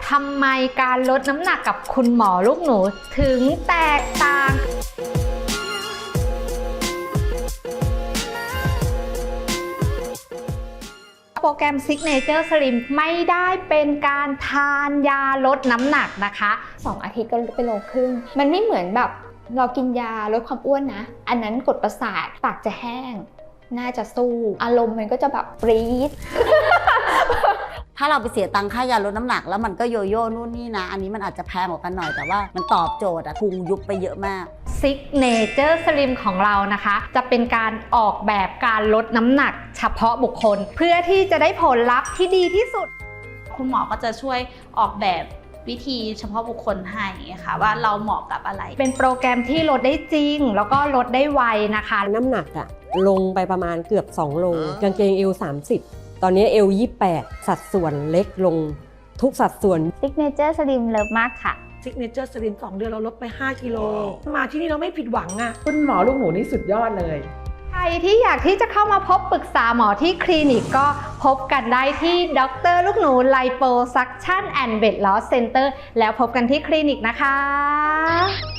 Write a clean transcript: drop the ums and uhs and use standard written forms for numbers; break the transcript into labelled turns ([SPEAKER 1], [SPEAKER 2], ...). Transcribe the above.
[SPEAKER 1] ทำไมการลดน้ำหนักกับคุณหมอลูกหนูถึงแตกต่างโปรแกรม Signature Slim ไม่ได้เป็นการทานยาลดน้ำหนักนะคะ
[SPEAKER 2] 2 อาทิตย์ก็ลดไปโลครึ่งมันไม่เหมือนแบบเรากินยาลดความอ้วนนะอันนั้นกดประสาทปากจะแห้งน่าจะสู้อารมณ์มันก็จะแบบปรี๊ด
[SPEAKER 3] ถ้าเราไปเสียตังค่ายาลดน้ำหนักแล้วมันก็โยโย่นู่นนี่นะอันนี้มันอาจจะแพงกว่ากันหน่อยแต่ว่ามันตอบโจทย์อะพุงยุบไปเยอะมาก
[SPEAKER 1] Signature Slim ของเรานะคะจะเป็นการออกแบบการลดน้ำหนักเฉพาะบุคคลเพื่อที่จะได้ผลลัพธ์ที่ดีที่สุด
[SPEAKER 4] คุณหมอก็จะช่วยออกแบบวิธีเฉพาะบุคคลให้ค่ะว่าเราเหมาะกับอะไร
[SPEAKER 1] เป็นโปรแกรมที่ลดได้จริงแล้วก็ลดได้ไวนะคะ
[SPEAKER 5] น้ำหนักอะลงไปประมาณเกือบ2 โลกางเกงเอว30ตอนนี้เอว28สัดส่วนเล็กลงทุกสัดส่วน
[SPEAKER 2] Signature Slim เลิฟมากค่ะ
[SPEAKER 6] Signature Slim 2 เดือนเราลดไป5 กิโลมาที่นี่เราไม่ผิดหวังอะ
[SPEAKER 7] คุณหมอลูกหนูนี่สุดยอดเลย
[SPEAKER 1] ใครที่อยากที่จะเข้ามาพบปรึกษาหมอที่คลินิกก็พบกันได้ที่ดร.ลูกหนู Liposuction and Weight Loss Center แล้วพบกันที่คลินิกนะคะ